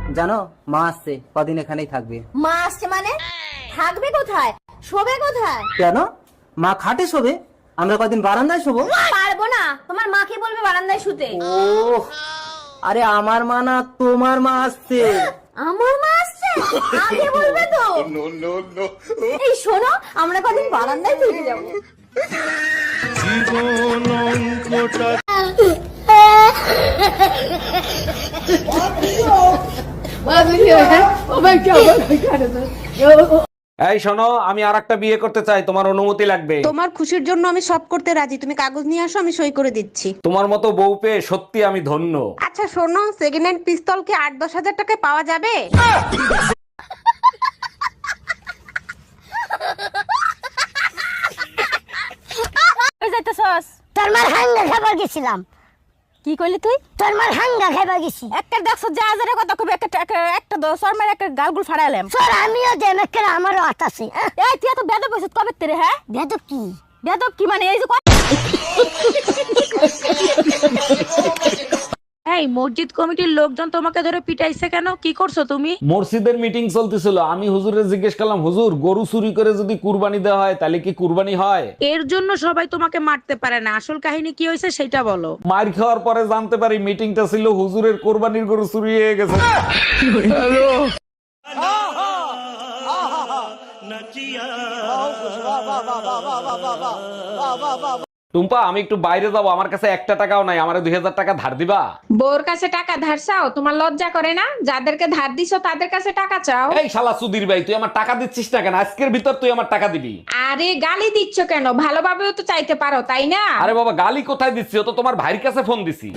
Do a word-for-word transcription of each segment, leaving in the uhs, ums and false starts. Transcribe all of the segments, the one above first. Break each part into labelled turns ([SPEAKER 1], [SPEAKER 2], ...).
[SPEAKER 1] জানো মা আসছে, কদিন এখানেই থাকবে।
[SPEAKER 2] মা আসছে মানে? থাকবে কোথায়? শোবে কোথায়?
[SPEAKER 1] কেন? মা খাটে শোবে, আমরা কদিন বারান্দায় শোবো।
[SPEAKER 2] পারবো না, তোমার মাকে বলবে বারান্দায় শুতে।
[SPEAKER 1] ও আরে আমার মা না, তোমার মা আসছে।
[SPEAKER 2] আমার মা আসছে? আগে বলবে তো। এই শোনো, আমরা কদিন বারান্দায় থেকে যাবো।
[SPEAKER 3] জীবন অঙ্কটা
[SPEAKER 4] এই শোনো, আমি আর একটা বিয়ে করতে চাই, তোমার অনুমতি লাগবে।
[SPEAKER 5] তোমার খুশির জন্য আমি সব করতে রাজি, তুমি কাগজ নিয়ে আসো, আমি সই করে দিচ্ছি।
[SPEAKER 4] তোমার মতো বউ পেয়ে সত্যি আমি ধন্য।
[SPEAKER 5] আচ্ছা শোনো, সেকেন্ড হ্যান্ড পিস্তল কি আট দশ হাজার টাকায় পাওয়া যাবে?
[SPEAKER 2] কই যাইতেছস?
[SPEAKER 6] তোর মার হাঙ্গা খাবার গেছিলাম।
[SPEAKER 2] কি কইলি তুই?
[SPEAKER 6] তোর মার হাঙ্গা খাবার গেছি।
[SPEAKER 2] একটা দেখছ যা হাজারে কথা কবি, একটা একটা- একটা দশর মার একটা গালগুল ফাড়াইলাম।
[SPEAKER 6] তোর আমিও দেম একটা, আমারও হাত আছে।
[SPEAKER 2] এই তুই এত বেদব হইছিস কবে তেরে? হ্যাঁ
[SPEAKER 6] বেদব কি?
[SPEAKER 2] বেদব কি মানে? এই যে ক-
[SPEAKER 7] এই মসজিদ কমিটির লোকজন তোমাকে ধরে পিটাইছে কেন? কি করছো তুমি?
[SPEAKER 4] মসজিদের মিটিং চলতেছিল, আমি হুজুরে জিজ্ঞেস করলাম, হুজুর গরু চুরি করে যদি কুরবানি দেওয়া হয় তাহলে কি কুরবানি হয়?
[SPEAKER 7] এর জন্য সবাই তোমাকে মারতে পারে না, আসল কাহিনী কি হয়েছে সেটা বলো।
[SPEAKER 4] মার খাওয়ার পরে জানতে পারি মিটিংটা ছিল হুজুরের কোরবানির গরু চুরি হয়ে গেছে। টুম্পা, আমি একটু বাইরে যাবো, আমার কাছে একটা টাকাও নাই, আমার দুই হাজার টাকা ধার দিবা?
[SPEAKER 8] বউর কাছে টাকা ধার চাও? তোমার লজ্জা করে না? যাদেরকে ধার দিছো তাদের কাছে টাকা চাও?
[SPEAKER 4] এই শালা সুধীর ভাই, তুই আমার টাকা দিচ্ছিস না কেন? আজকের ভিতর তুই আমার টাকা দিবি।
[SPEAKER 8] আরে গালি দিচ্ছ কেন? ভালোভাবেও তো চাইতে পারো, তাই না?
[SPEAKER 4] আরে বাবা, গালি কোথায় দিচ্ছি? ও তো তোমার ভাইয়ের কাছে ফোন দিছি।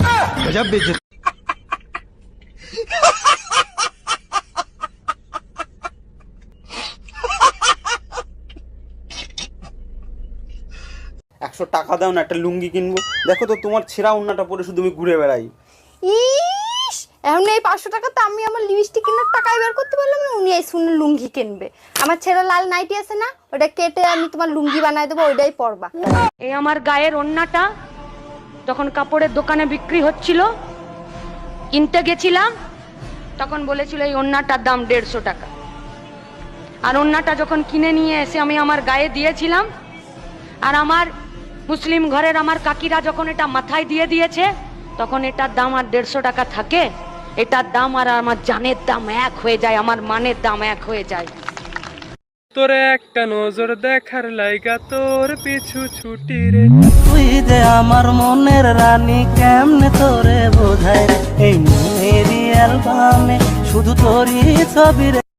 [SPEAKER 9] একশো টাকা দাও না, একটা লুঙ্গি কিনবো। দেখো তো তোমার ছেঁড়া উন্নাটা পরে শুধু আমি ঘুরে বেড়াই।
[SPEAKER 2] ইস, এখন এই পাঁচশো টাকা তো আমি আমার লিপস্টিক কেনার টাকাই বের করতে পারলাম না, উনি এই শুনে লুঙ্গি কিনবে। আমার ছেঁড়া লাল নাইটি আছে না, ওটা কেটে আমি তোমার লুঙ্গি বানাই দেবো, ওইটাই পরবা।
[SPEAKER 7] এই আমার গায়ের ওন্নাটা যখন কাপড়ের দোকানে বিক্রি হচ্ছিল, কিনতে গেছিলাম, তখন বলেছিল এই ওন্নাটার দাম দেড়শো টাকা। আর ওন্নাটা যখন কিনে নিয়ে এসে আমি আমার গায়ে দিয়েছিলাম, আর আমার মুসলিম ঘরের আমার কাকিরা যখন এটা মাথায় দিয়ে দিয়েছে, তখন এটার দাম আর দেড়শো টাকা থাকে? এটার দাম আর আমার জানের দাম এক হয়ে যায়, আমার মানের দাম এক হয়ে যায়।
[SPEAKER 3] তোরে একটা নজর দেখার লাইগা তোর পিছু ছুটি রে।
[SPEAKER 1] তুই যে আমার মনের রানী, কেমনে তোরে বোঝাই রে, এই মেরি অ্যালবামে শুধু তোরই ছবি রে।